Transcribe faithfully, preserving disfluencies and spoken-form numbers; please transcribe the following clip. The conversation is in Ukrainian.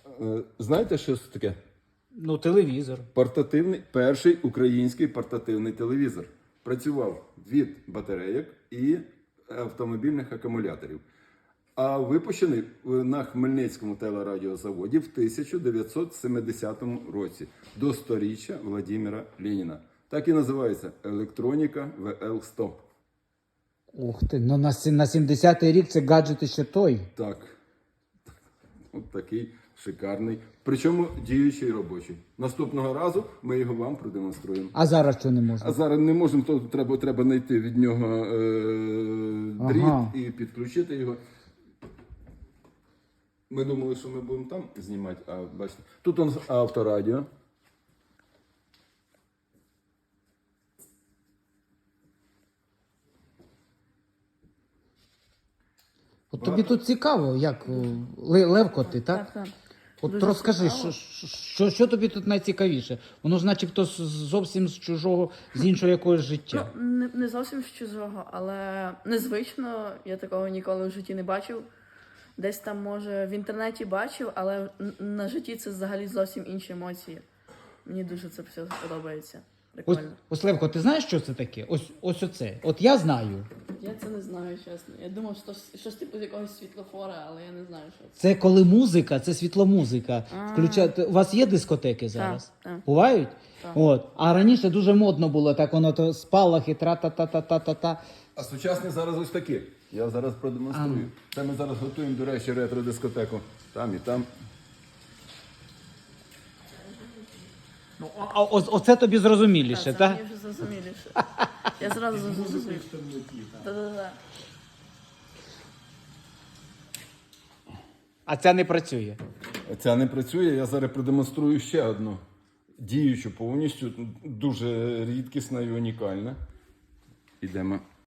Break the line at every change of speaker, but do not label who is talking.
Е, Знаєте, що це таке?
Ну, телевізор.
Портативний, перший український портативний телевізор. Працював від батарейок і автомобільних акумуляторів. А випущений на Хмельницькому телерадіозаводі в тисяча дев'ятсот семидесятому році до сторіччя Владимира Леніна. Так і називається електроніка В Л сто.
Ух ти, ну на, сі- на сімдесятий рік це гаджет ще той.
Так. От такий шикарний. Причому діючий робочий. Наступного разу ми його вам продемонструємо.
А зараз що не можна?
А зараз не можемо, то треба, треба знайти від нього е, дріт
Ага.
і підключити його. Ми думали, що ми будемо там знімати, а бачите. Тут у нас авторадіо.
От тобі тут цікаво, як о, Ле- Левко ти, так?
Так, так.
От
Дуже
розкажи,
цікаво.
що, що, що тобі тут найцікавіше? Воно ж начебто з- зовсім з чужого, з іншого якогось життя.
Ну, не, не зовсім з чужого, але незвично. Я такого ніколи в житті не бачив. Десь там, може, в інтернеті бачив, але н- на житті це взагалі зовсім інші емоції. Мені дуже це все подобається.
Ось,
Прикольно.
ось Левко, ти знаєш, що це таке? Ось, ось оце. От я знаю.
Я це не знаю, чесно. Я думав, що щось, щось типу з якогось світлофора, але я не знаю, що це.
Це коли музика, це світломузика.
А.
Включати. У вас є дискотеки зараз?
так.
Бувають?
Так.
От. А раніше дуже модно було, так воно то спалахи, тра-та-та-та-та-та-та.
А сучасні зараз ось такі. Я зараз продемонструю. Це ми зараз готуємо, до речі, ретро-дискотеку. Там і там.
Ну, а, а ось, оце тобі зрозуміліше,
Це
так?
мені вже зрозуміліше. Я зразу зрозумів. Та-та-та.
А це не працює.
Ця не працює, я зараз продемонструю ще одну. Діючу повністю, дуже рідкісна і унікальна. Ідемо.